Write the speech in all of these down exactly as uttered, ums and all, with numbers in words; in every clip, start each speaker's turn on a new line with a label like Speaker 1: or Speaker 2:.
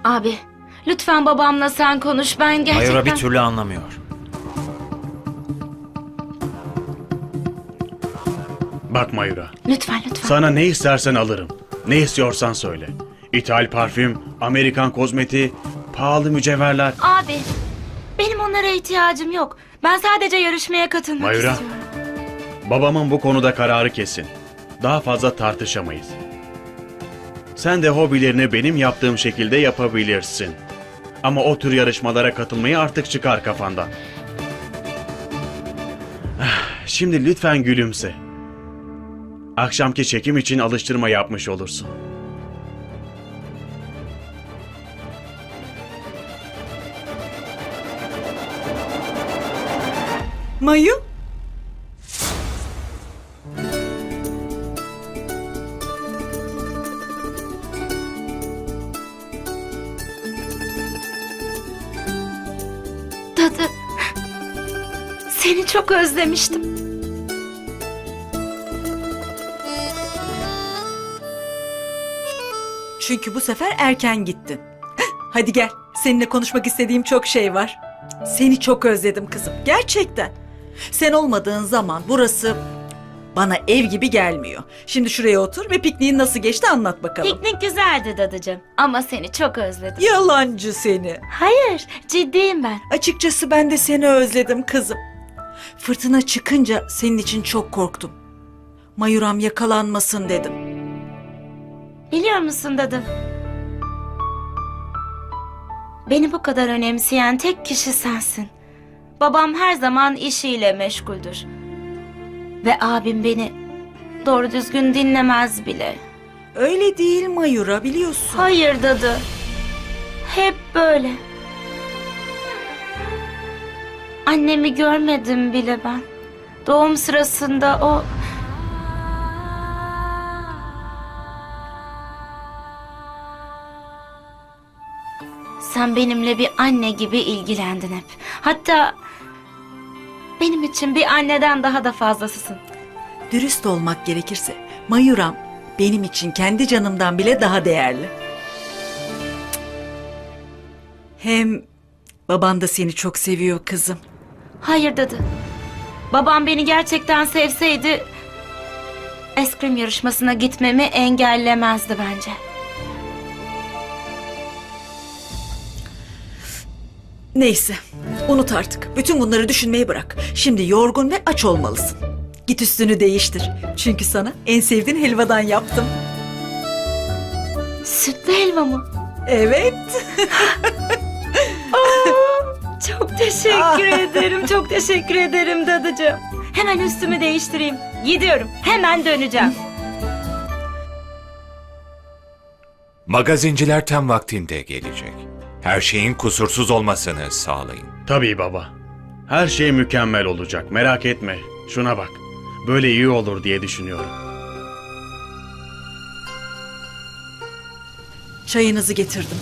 Speaker 1: Abi, lütfen babamla sen konuş. Ben gerçekten...
Speaker 2: Mayura bir türlü anlamıyor.
Speaker 3: Bak Mayura,
Speaker 1: Lütfen, lütfen.
Speaker 3: sana ne istersen alırım. Ne istiyorsan söyle. İthal parfüm, Amerikan kozmetiği, pahalı mücevherler.
Speaker 1: Abi, benim onlara ihtiyacım yok. Ben sadece yarışmaya katılmak
Speaker 3: Mayura.
Speaker 1: istiyorum.
Speaker 3: Babamın bu konuda kararı kesin. Daha fazla tartışamayız. Sen de hobilerini benim yaptığım şekilde yapabilirsin. Ama o tür yarışmalara katılmayı artık çıkar kafandan. Ah, Şimdi lütfen gülümse. Akşamki çekim için alıştırma yapmış olursun.
Speaker 4: Mayu?
Speaker 1: Dadı, seni çok özlemiştim.
Speaker 4: Çünkü bu sefer erken gittin. Hadi gel. Seninle konuşmak istediğim çok şey var. Seni çok özledim kızım. Gerçekten. Sen olmadığın zaman burası bana ev gibi gelmiyor. Şimdi şuraya otur ve pikniğin nasıl geçti anlat bakalım.
Speaker 1: Piknik güzeldi dadıcığım. Ama seni çok özledim.
Speaker 4: Yalancı seni.
Speaker 1: Hayır, ciddiyim ben.
Speaker 4: Açıkçası ben de seni özledim kızım. Fırtına çıkınca senin için çok korktum. Mayuram yakalanmasın dedim.
Speaker 1: Biliyor musun dadı? Beni bu kadar önemseyen tek kişi sensin. Babam her zaman işiyle meşguldür. Ve abim beni doğru düzgün dinlemez bile.
Speaker 4: Öyle değil Mayura, biliyorsun.
Speaker 1: Hayır dadı. Hep böyle. Annemi görmedim bile ben. Doğum sırasında o... Sen benimle bir anne gibi ilgilendin hep. Hatta benim için bir anneden daha da fazlasısın.
Speaker 4: Dürüst olmak gerekirse Mayuram benim için kendi canımdan bile daha değerli. Hem baban da seni çok seviyor kızım.
Speaker 1: Hayır dadı. Babam beni gerçekten sevseydi eskrim yarışmasına gitmemi engellemezdi bence.
Speaker 4: Neyse, unut artık. Bütün bunları düşünmeyi bırak. Şimdi yorgun ve aç olmalısın. Git üstünü değiştir. Çünkü sana en sevdiğin helvadan yaptım.
Speaker 1: Sütlü helva mı?
Speaker 4: Evet.
Speaker 1: Çok teşekkür ederim, çok teşekkür ederim dadıcığım. Hemen üstümü değiştireyim. Gidiyorum, hemen döneceğim.
Speaker 5: Magazinciler tam vaktinde gelecek. Her şeyin kusursuz olmasını sağlayın.
Speaker 3: Tabii baba. Her şey mükemmel olacak. Merak etme. Şuna bak. Böyle iyi olur diye düşünüyorum.
Speaker 4: Çayınızı getirdim.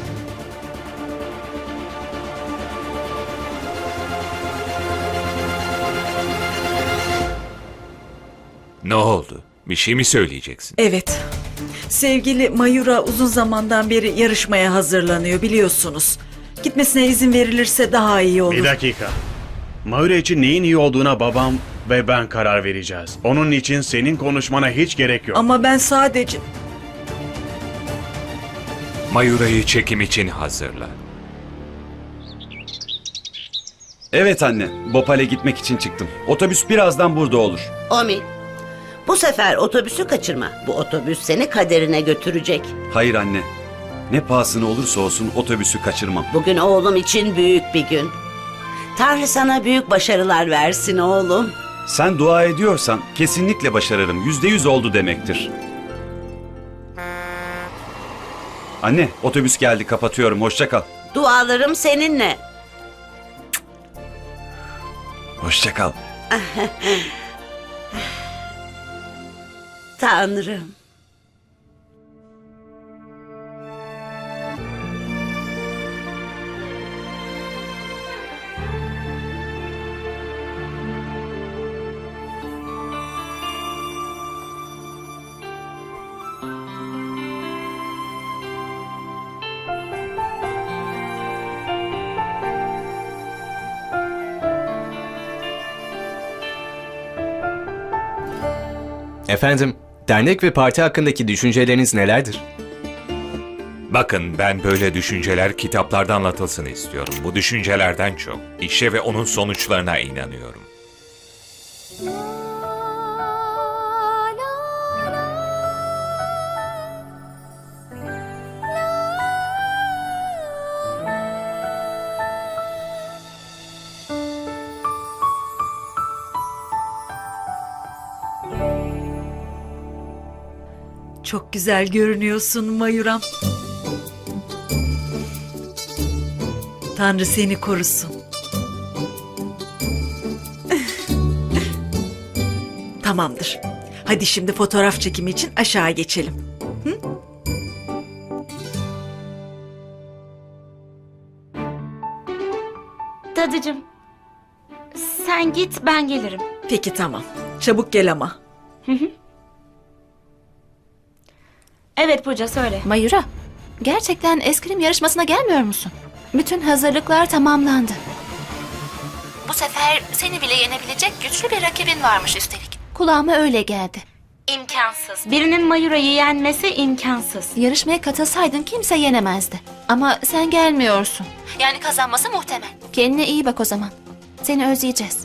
Speaker 5: Ne oldu? Bir şey mi söyleyeceksin?
Speaker 4: Evet. Sevgili Mayura uzun zamandan beri yarışmaya hazırlanıyor biliyorsunuz. Gitmesine izin verilirse daha iyi olur.
Speaker 3: Bir dakika. Mayura için neyin iyi olduğuna babam ve ben karar vereceğiz. Onun için senin konuşmana hiç gerek yok.
Speaker 4: Ama ben sadece...
Speaker 5: Mayura'yı çekim için hazırla.
Speaker 6: Evet anne, Bhopal'e gitmek için çıktım. Otobüs birazdan burada olur.
Speaker 7: Omi, bu sefer otobüsü kaçırma. Bu otobüs seni kaderine götürecek.
Speaker 6: Hayır anne, ne pahasına olursa olsun otobüsü kaçırmam.
Speaker 7: Bugün oğlum için büyük bir gün. Tanrı sana büyük başarılar versin oğlum.
Speaker 6: Sen dua ediyorsan kesinlikle başarırım. Yüzde yüz oldu demektir. Anne, otobüs geldi, kapatıyorum. Hoşça kal.
Speaker 7: Dualarım seninle.
Speaker 6: Hoşça kal.
Speaker 7: Tanrım.
Speaker 2: Efendim, dernek ve parti hakkındaki düşünceleriniz nelerdir?
Speaker 5: Bakın ben böyle düşünceler kitaplarda anlatılsın istiyorum. Bu düşüncelerden çok işe ve onun sonuçlarına inanıyorum.
Speaker 4: Çok güzel görünüyorsun Mayuram. Tanrı seni korusun. Tamamdır. Hadi şimdi fotoğraf çekimi için aşağı geçelim.
Speaker 1: Dadıcığım, sen git ben gelirim.
Speaker 4: Peki tamam. Çabuk gel ama.
Speaker 1: Evet Pooja söyle.
Speaker 8: Mayura, gerçekten eskrim yarışmasına gelmiyor musun? Bütün hazırlıklar tamamlandı. Bu sefer seni bile yenebilecek güçlü bir rakibin varmış üstelik. Kulağıma öyle geldi.
Speaker 1: İmkansız. Birinin Mayura'yı yenmesi imkansız.
Speaker 8: Yarışmaya katılsaydın kimse yenemezdi. Ama sen gelmiyorsun. Yani kazanması muhtemel. Kendine iyi bak o zaman. Seni özleyeceğiz.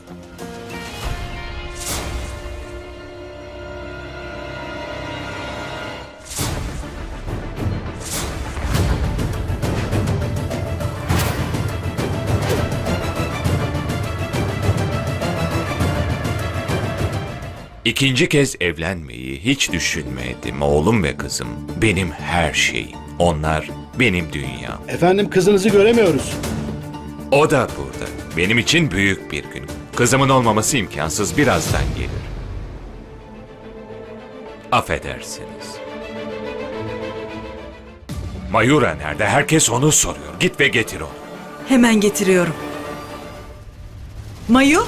Speaker 5: İkinci kez evlenmeyi hiç düşünmedim oğlum ve kızım. Benim her şeyim. Onlar benim dünyam.
Speaker 9: Efendim kızınızı göremiyoruz.
Speaker 5: O da burada. Benim için büyük bir gün. Kızımın olmaması imkansız, birazdan gelir. Affedersiniz. Mayura nerede? Herkes onu soruyor. Git ve getir onu.
Speaker 4: Hemen getiriyorum. Mayu?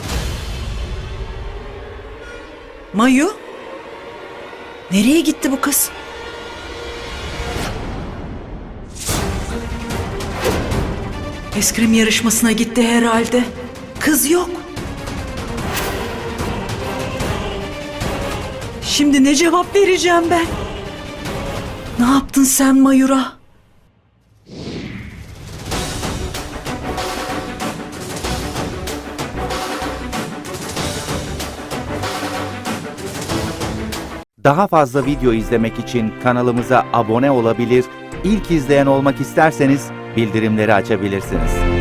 Speaker 4: Mayu? Nereye gitti bu kız? Eskrim yarışmasına gitti herhalde. Kız yok. Şimdi ne cevap vereceğim ben? Ne yaptın sen Mayura?
Speaker 10: Daha fazla video izlemek için kanalımıza abone olabilir, ilk izleyen olmak isterseniz bildirimleri açabilirsiniz.